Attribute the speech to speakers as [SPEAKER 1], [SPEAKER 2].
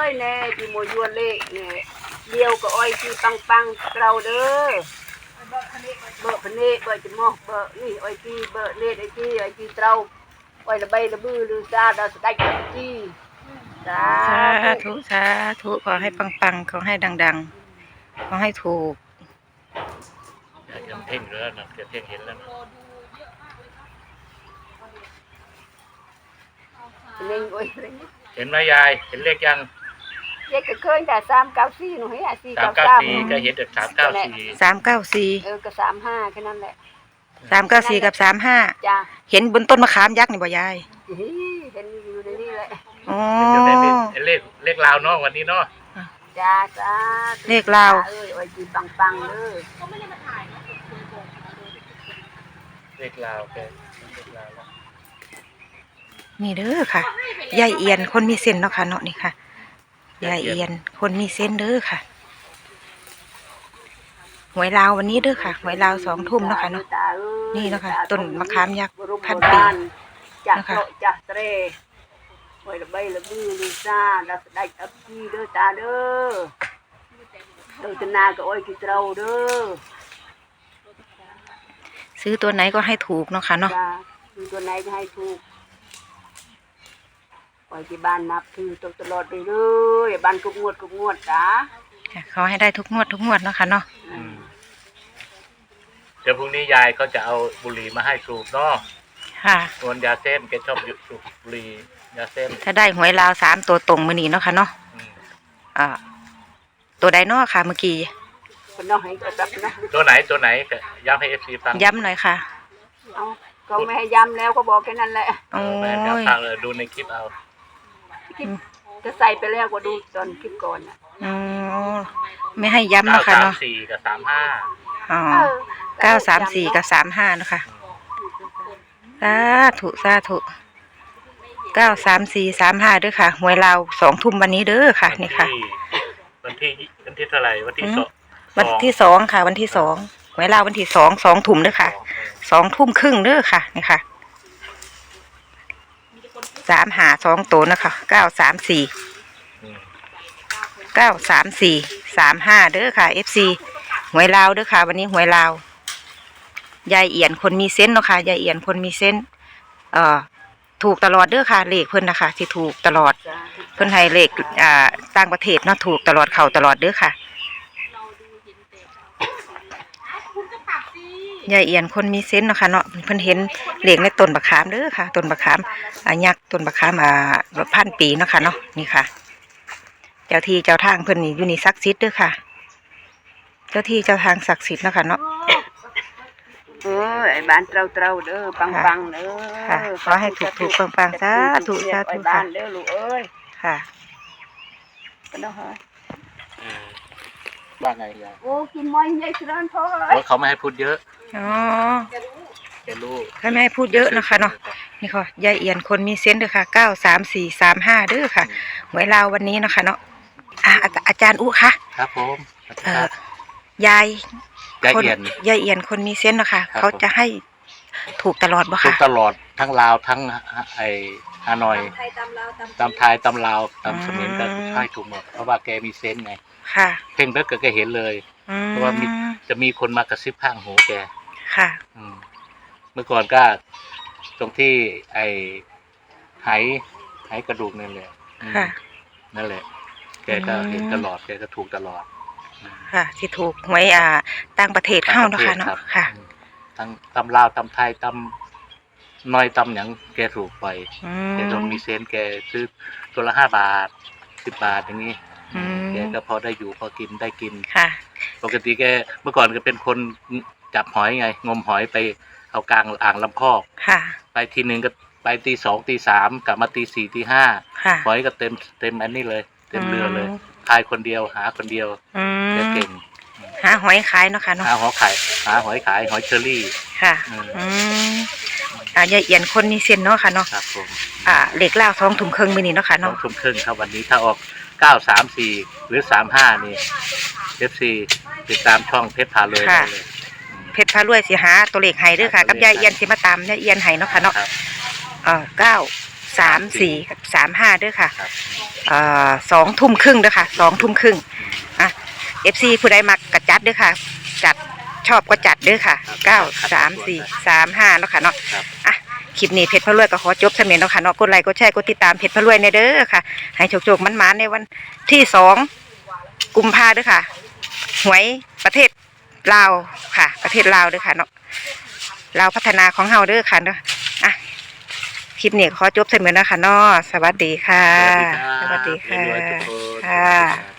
[SPEAKER 1] ยแน่ที่โมยวนเละเนี่ยเดียวก็อ้อยที่ปังเราเด้อเบอร์พเนเบอร์จะมอกเบอร์นี่อ้อยที่เบอร์เนตไอ้ที่เราอ้อยระใบระบือลือซาดาวสได้ที่สา
[SPEAKER 2] ธุขอให้ปังขอให้ดังๆขอให้ถูก
[SPEAKER 3] ยังเพ่งแล้วนะเพ่งเห็นแล้วนะเห็นไหมยายเห็นเลขยัง
[SPEAKER 1] เลขก็เคยแต่394หนูให้
[SPEAKER 3] 394ก็เห็นแต่
[SPEAKER 2] 394
[SPEAKER 1] ก็35แค่นั้นแหละ
[SPEAKER 2] 394กับ35
[SPEAKER 1] จ้ะ
[SPEAKER 2] เห็นบนต้นมะขามยักษ์นี่บ่ยาย
[SPEAKER 1] เห็นอยู่ในนี่แหละ
[SPEAKER 2] อ๋อ
[SPEAKER 3] เลขลาวเนาะวันนี้เนาะ
[SPEAKER 1] จ้า
[SPEAKER 2] เลขลาว
[SPEAKER 1] อ้อยจีปังเลย
[SPEAKER 3] ก็ไม่ได้มาถ่ายเนาะเลขลาวแกเลขลาว
[SPEAKER 2] นี่เด้อค่ะยายเอียนคนมีเส้นเนาะค่ะเนาะนี่ค่ะยายเอียนคนมีเส้นเด้อค่ะหวยลาววันนี้เด้อค่ะหวยลาว2 ทุ่มเนาะค่ะเนาะนี่เนาะค่ะต้นมะขามยักษ์พันปี
[SPEAKER 1] นะคะจ้าเตรหวยระใบระบือลิซ่าดัสได้อัพพีเด้อตาเด้อเด้อตนาก็อ้อยกิเราเด้อ
[SPEAKER 2] ซื้อตัวไหนก็ให้ถูกเนาะค่ะเนาะ
[SPEAKER 1] ซื้อตัวไหนก็ให้ถูกปล่อยที่บ้านนับถือตลอดไปเลยบ้านทุกงวดจ้า
[SPEAKER 2] ขอให้ได้ทุกงวดเนาะค่ะเนาะ
[SPEAKER 3] เดี๋ยวพรุ่งนี้ยายเขาจะเอาบุหรี่มาให้สูบเนาะ
[SPEAKER 2] ค่ะ
[SPEAKER 3] ส่วนยาเส้นแกชอบสูบบุหรี่ยาเส้น
[SPEAKER 2] ถ้าได้หวยลาว3 ตัวตรงมื้อนี้เนาะค่ะเนาะตัวใดเนาะค่ะเมื่อกี้
[SPEAKER 3] ตัวไหนย้ำให้ FC ฟัง
[SPEAKER 2] ย้ำหน่อยค่ะ
[SPEAKER 1] ก็ไม่ให้ย้ำแล้วก็บอกแค่นั้นแหละ
[SPEAKER 3] แม่ก็ฟังเลยดูในคลิปเอา
[SPEAKER 1] จะใส่ไปแล้วก็ดูตอนคลิปก่อน
[SPEAKER 2] ไม่ให้ย้ำนะคะเนาะ
[SPEAKER 3] 934กับ35
[SPEAKER 2] อ๋อ934กับ35นะคะสาธุ93435ด้วยค่ะหวยลาว2 ทุ่มวันนี้เด้อค่ะนี่ค่ะ
[SPEAKER 3] วันที่เท่าไหร่วันที่
[SPEAKER 2] 2ค่ะวันที่2หวยลาววันที่2 ทุ่มเด้อค่ะ2 ทุ่มครึ่งเด้อค่ะนี่ค่ะ3 ตัวนะคะ93435เด้อค่ะ FC หวยลาวเด้อค่ะวันนี้หวยลาวยายเอียนคนมีเซนส์เนาะค่ะยายเอียนคนมีเซนส์ถูกตลอดเด้อค่ะเลขเพิ่นนะคะที่ถูกตลอดเพิ่นให้เลขต่างประเทศเนาะถูกตลอดเข้าตลอดเด้อค่ะยายเอียนคนมีเซนส์เนาะค่ะเนาะเพิ่นเห็นเลขในต้นบักขามเด้อค่ะต้นบักขามยักษ์ต้นบักขามพันปีเนาะค่ะเนาะนี่ค่ะเจ้าที่เจ้าทางเพิ่นนี่อยู่นี่ศักดิ์สิทธิ์เด้อค่ะเจ้าที่เจ้าทางศักดิ์สิทธิ์เนาะค่ะเนาะ
[SPEAKER 1] ไอ้บ้านเราเด้อปังเด้อ
[SPEAKER 2] ค่ะขอให้ถูกปังสาธุค่ะ
[SPEAKER 1] บ้านเด้อลูกเอ้ย
[SPEAKER 2] ค่ะ
[SPEAKER 1] ก็ได้ค่ะ
[SPEAKER 3] ว่าไงยาย
[SPEAKER 1] โอ้กินม้อยใหญ่ร้อนพอ
[SPEAKER 3] เขาไม่ให้พูดเยอะ
[SPEAKER 2] อ๋อ
[SPEAKER 3] แกรู้
[SPEAKER 2] เขาไม่ให้พูดเยอะนะคะเนาะนี่ค่ะยายเอียนคนมีเซนส์เด้อค่ะ93435เด้อค่ะหวยลาววันนี้นะคะเนาะอาจารย์อุ๊ค่ะ
[SPEAKER 3] ครับผม
[SPEAKER 2] ยาย
[SPEAKER 3] เ
[SPEAKER 2] อียนคนมีเซนส์นะคะเขาจะให้ถูกตลอดบ่คะ
[SPEAKER 3] ถูกตลอดทั้งลาวทั้งไอ้ฮานอยตำไทยตำลาวตำเขมรก็ให้ถูกหมดเพราะว่าแกมีเซนส์ไง
[SPEAKER 2] ค่ะ
[SPEAKER 3] เพ่งเบิกแกเห็นเลยเพราะว่าจะมีคนมากระซิบข้างหูแก
[SPEAKER 2] ค่ะ
[SPEAKER 3] เมื่อก่อนก็ตรงที่ไอ้ไหกระดูกนั่นแหละนั่นแหละแกก็เห็นตลอดแกก็ถูกตลอด
[SPEAKER 2] ค่ะที่ถูกหวยต่างประเทศเข้าเนาะค่ะเนาะค่ะ
[SPEAKER 3] ทั้งตำลาวตำไทยตำน้อยตำหยังแกถูกไปแกต้องมีเซนแกซื้อตัวละ5 บาท10 บาทอย่างนี้แกก็พอได้อยู่พอกินได้กิน
[SPEAKER 2] ค่ะ
[SPEAKER 3] ปกติแกเมื่อก่อนก็เป็นคนจับหอยไงงมหอยไปเอากลางอ่างลำคอก
[SPEAKER 2] ค่ะ
[SPEAKER 3] ไปทีนึงก็ไปตี 2 ตี 3กลับมาตี 4 ตี 5หอยก็เต็มอันนี้เลยเต็มเรือเลยขายคนเดียวหาคนเดียวเก่ง
[SPEAKER 2] หาหอยขายเนาะค่ะเนาะ
[SPEAKER 3] หาหอยขายหอยเชอรี่
[SPEAKER 2] ค่ะยายเอียนคนมีเส้นเนาะค่ะเนาะ
[SPEAKER 3] ครับผม
[SPEAKER 2] เหล็กเล่า2 ทุ่มครึ่งมื้อนี้เนาะค่ะเนาะ
[SPEAKER 3] 2 ทุ่มครึ่งครับวันนี้ถ้าออก934หรือ35นี่ FC ติดตามช่องเพชรพาเลย
[SPEAKER 2] เพชรพารวยสิหาตัวเลขให้เด้อค่ะกับยายเอียนสิมาตามยายเอียนให้เนาะค่ะเนาะ 34กับ35เด้อค่ะ
[SPEAKER 3] ครับ
[SPEAKER 2] 2 ทุ่มครึ่งเด้อค่ะ2 ทุ่มครึ่งอ่ะ FC ผู้ใดมักกระจัดเด้อค่ะจัดชอบก็จัดเด้อค่ะ9 3 4 3 5เนาะค่ะเนาะ
[SPEAKER 3] ครับ
[SPEAKER 2] อ่ะคลิปนี้เพชรพะรวยก็ขอจบเสมียนเนาะค่ะเนาะกดไลค์กดแชร์กดติดตามเพชรพะรวยในเด้อค่ะให้โชคๆมันๆในวันที่2 กุมภาเด้อค่ะหวยประเทศลาวค่ะประเทศลาวเด้อค่ะเนาะลาวพัฒนาของเฮาเด้อค่ะเนาะอ่ะคลิปนี้ขอจบเสมียนเนาะค่ะเนาะสวัสดีค่ะ
[SPEAKER 3] สวัสดีครับ
[SPEAKER 2] สวัสดีค่ะ
[SPEAKER 3] รวยๆทุกคน
[SPEAKER 2] ค่ะ